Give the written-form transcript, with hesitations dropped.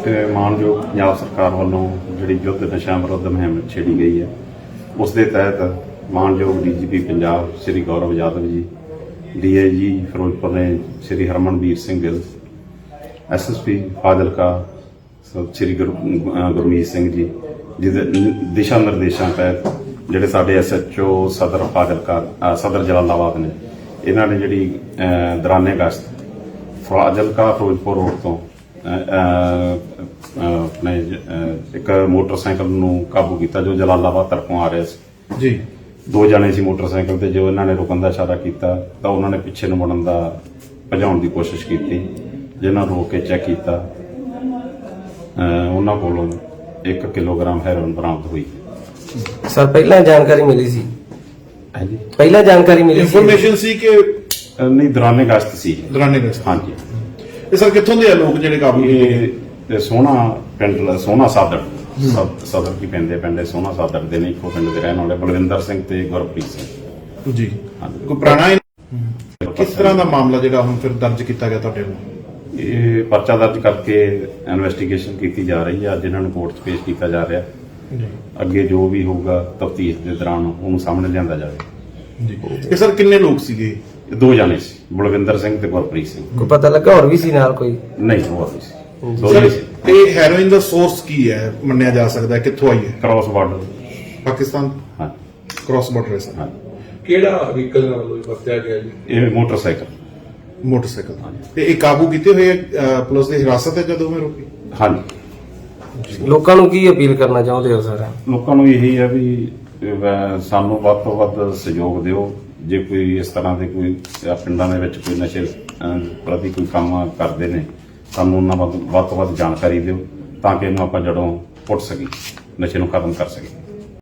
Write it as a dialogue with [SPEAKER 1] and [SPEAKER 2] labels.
[SPEAKER 1] ਮਾਨਯੋਗ ਪੰਜਾਬ ਸਰਕਾਰ ਵੱਲੋਂ ਜਿਹੜੀ ਯੁੱਧ ਨਸ਼ਾ ਵਿਰੁੱਧ ਮੁਹਿੰਮ ਛੇੜੀ ਗਈ ਹੈ ਉਸ ਦੇ ਤਹਿਤ ਮਾਨਯੋਗ ਡੀਜੀਪੀ ਪੰਜਾਬ ਸ਼੍ਰੀ ਗੌਰਵ ਯਾਦਵ ਜੀ, ਡੀਆਈਜੀ ਫਿਰੋਜ਼ਪੁਰ ਨੇ ਸ਼੍ਰੀ ਹਰਮਨਵੀਰ ਸਿੰਘ ਗਿੱਲ, ਐਸਐਸਪੀ ਫਾਜ਼ਿਲਕਾ ਸ਼੍ਰੀ ਗੁਰਮੀਤ ਸਿੰਘ ਜੀ ਜਿਹਦੇ ਦਿਸ਼ਾ ਨਿਰਦੇਸ਼ਾਂ ਤਹਿਤ ਜਿਹੜੇ ਸਾਡੇ ਐਸਐਚਓ ਸਦਰ ਫਾਜ਼ਿਲਕਾ ਸਦਰ ਜਲਾਲਾਬਾਦ ਨੇ ਇਹਨਾਂ ਨੇ ਜਿਹੜੀ ਦੌਰਾਨੇ ਅਗਸਤ ਫਾਜ਼ਿਲਕਾ ਫਿਰੋਜ਼ਪੁਰ ਰੋਡ ਤੋਂ ਆਪਣੇ ਇੱਕ ਮੋਟਰਸਾਈਕਲ ਨੂੰ ਕਾਬੂ ਕੀਤਾ ਜੋ ਜਲਾਲਾਬਾਦ ਤਰਫੋਂ ਆ ਰਿਹਾ ਸੀ
[SPEAKER 2] ਜੀ।
[SPEAKER 1] ਦੋ ਜਣੇ ਸੀ ਮੋਟਰਸਾਈਕਲ ਤੇ। ਜੋ ਇਹਨਾਂ ਨੇ ਰੁਕਣ ਦਾ ਇਸ਼ਾਰਾ ਕੀਤਾ ਤਾਂ ਉਹਨਾਂ ਨੇ ਪਿੱਛੇ ਨੂੰ ਮੁੜਨ ਦਾ ਭਜਾਉਣ ਦੀ ਕੋਸ਼ਿਸ਼ ਕੀਤੀ, ਜਿਨ੍ਹਾਂ ਨੂੰ ਰੋਕ ਕੇ ਚੈੱਕ ਕੀਤਾ। ਉਹਨਾਂ ਕੋਲੋਂ 1 ਕਿਲੋਗ੍ਰਾਮ ਹੈਰੋਇਨ ਬਰਾਮਦ ਹੋਈ।
[SPEAKER 3] ਸਰ ਪਹਿਲਾਂ ਜਾਣਕਾਰੀ ਮਿਲੀ ਸੀ?
[SPEAKER 1] ਹਾਂਜੀ,
[SPEAKER 3] ਪਹਿਲਾਂ ਜਾਣਕਾਰੀ ਮਿਲੀ ਸੀ?
[SPEAKER 2] ਇਨਫੋਰਮੇਸ਼ਨ ਸੀ ਕਿ
[SPEAKER 1] ਨਹੀਂ, ਦੌਰਾਨੇ ਅਗਸਤ ਸੀ।
[SPEAKER 2] ਦੌਰਾਨੇ ਅਗਸਤ।
[SPEAKER 1] ਹਾਂਜੀ।
[SPEAKER 2] ਇਹ ਸਰ ਕਿੱਥੋਂ ਦੇ ਆ ਲੋਕ ਜਿਹੜੇ ਕਾਬੂ ਕੀਤੇ?
[SPEAKER 1] ਇਹ ਸੋਹਣਾ ਪਿੰਡ, ਸੋਹਣਾ ਸਾਦੜ ਸਦਰ ਕੀ ਪਿੰਡ ਸੋਹਣਾ ਸਾਦੜ ਦੇ ਨੇ, ਇੱਕੋ ਪਿੰਡ ਦੇ ਰਹਿਣ ਵਾਲੇ ਬਲਵਿੰਦਰ ਸਿੰਘ ਤੇ ਗੁਰਪ੍ਰੀਤ ਸਿੰਘ
[SPEAKER 2] ਜੀ।
[SPEAKER 1] ਹਾਂਜੀ।
[SPEAKER 2] ਕੋਈ ਪੁਰਾਣਾ ਕਿਸ ਤਰ੍ਹਾਂ ਦਾ ਮਾਮਲਾ ਜਿਹੜਾ ਹੁਣ ਫਿਰ ਦਰਜ ਕੀਤਾ ਗਿਆ ਤੁਹਾਡੇ ਵੱਲੋਂ?
[SPEAKER 1] ਇਹ ਪਰਚਾ ਦਰਜ ਕਰਕੇ ਇਨਵੈਸਟੀਗੇਸ਼ਨ ਕੀਤੀ ਜਾ ਰਹੀ ਹੈ। ਅੱਜ ਇਹਨਾਂ ਨੂੰ ਕੋਰਟ 'ਚ ਪੇਸ਼ ਕੀਤਾ ਜਾ ਰਿਹਾ।
[SPEAKER 2] ਜੀ
[SPEAKER 1] ਅੱਗੇ ਜੋ ਵੀ ਹੋਊਗਾ ਤਫਤੀਸ਼ ਦੇ ਦੌਰਾਨ ਉਹਨੂੰ ਸਾਹਮਣੇ ਲਿਆਂਦਾ ਜਾਵੇ।
[SPEAKER 2] ਜੀ। ਇਹ ਸਰ ਕਿੰਨੇ ਲੋਕ ਸੀਗੇ?
[SPEAKER 1] ਇਹ ਦੋ ਜਾਣੇ ਸੀ, ਬਲਵਿੰਦਰ ਸਿੰਘ ਤੇ ਗੁਰਪ੍ਰੀਤ ਸਿੰਘ।
[SPEAKER 3] ਕੋਈ ਪਤਾ ਲੱਗਾ ਹੋਰ ਵੀ ਸੀ ਨਾਲ ਕੋਈ?
[SPEAKER 1] ਨਹੀਂ, ਹੋਰ ਨਹੀਂ ਸੀ, ਦੋ
[SPEAKER 2] ਸਰ
[SPEAKER 1] ਹੀ ਸੀ।
[SPEAKER 2] ਇਹ ਹੈਰੋਇਨ ਦਾ ਸੋਰਸ ਕੀ ਹੈ ਮੰਨਿਆ ਜਾ ਸਕਦਾ ਹੈ? ਕਿੱਥੋਂ ਆਈ ਹੈ?
[SPEAKER 1] Cross border.
[SPEAKER 2] ਪਾਕਿਸਤਾਨ
[SPEAKER 1] ਹਾਂ
[SPEAKER 2] ਕ੍ਰਾਸ ਬਾਰਡਰ ਹੈ ਸਰ।
[SPEAKER 1] ਹਾਂ।
[SPEAKER 4] ਕਿਹੜਾ ਵਹੀਕਲ ਨਾਲ ਵਰਤਿਆ ਗਿਆ ਜੀ?
[SPEAKER 1] ਇਹ ਮੋਟਰਸਾਈਕਲ।
[SPEAKER 2] ਮੋਟਰਸਾਈਕਲ। ਤੇ ਇਹ ਕਾਬੂ ਕੀਤੇ ਹੋਏ ਪੁਲਿਸ ਦੀ ਹਿਰਾਸਤ ਹੈ ਜਦੋਂ ਮੈਂ ਰੋਕੀ?
[SPEAKER 1] ਹਾਂਜੀ।
[SPEAKER 3] ਲੋਕਾਂ ਨੂੰ ਕੀ ਅਪੀਲ ਕਰਨਾ ਚਾਹੁੰਦੇ ਹੋ ਸਰ?
[SPEAKER 1] ਲੋਕਾਂ ਨੂੰ ਇਹੀ ਹੈ ਵੀ ਸਾਨੂੰ ਵੱਧ ਤੋਂ ਵੱਧ ਸਹਿਯੋਗ ਦਿਓ। ਜੇ ਕੋਈ ਇਸ ਤਰ੍ਹਾਂ ਦੇ ਕੋਈ ਪਿੰਡਾਂ ਦੇ ਵਿੱਚ ਕੋਈ ਨਸ਼ੇ ਪ੍ਰਤੀ ਕੋਈ ਕੰਮ ਕਰਦੇ ਨੇ, ਸਾਨੂੰ ਉਹਨਾਂ ਵੱਧ ਤੋਂ ਵੱਧ ਜਾਣਕਾਰੀ ਦਿਓ ਤਾਂ ਕਿ ਇਹਨੂੰ ਆਪਾਂ ਜੜੋਂ ਪੁੱਟ ਸਕੀਏ, ਨਸ਼ੇ ਨੂੰ ਖਤਮ ਕਰ ਸਕੀਏ।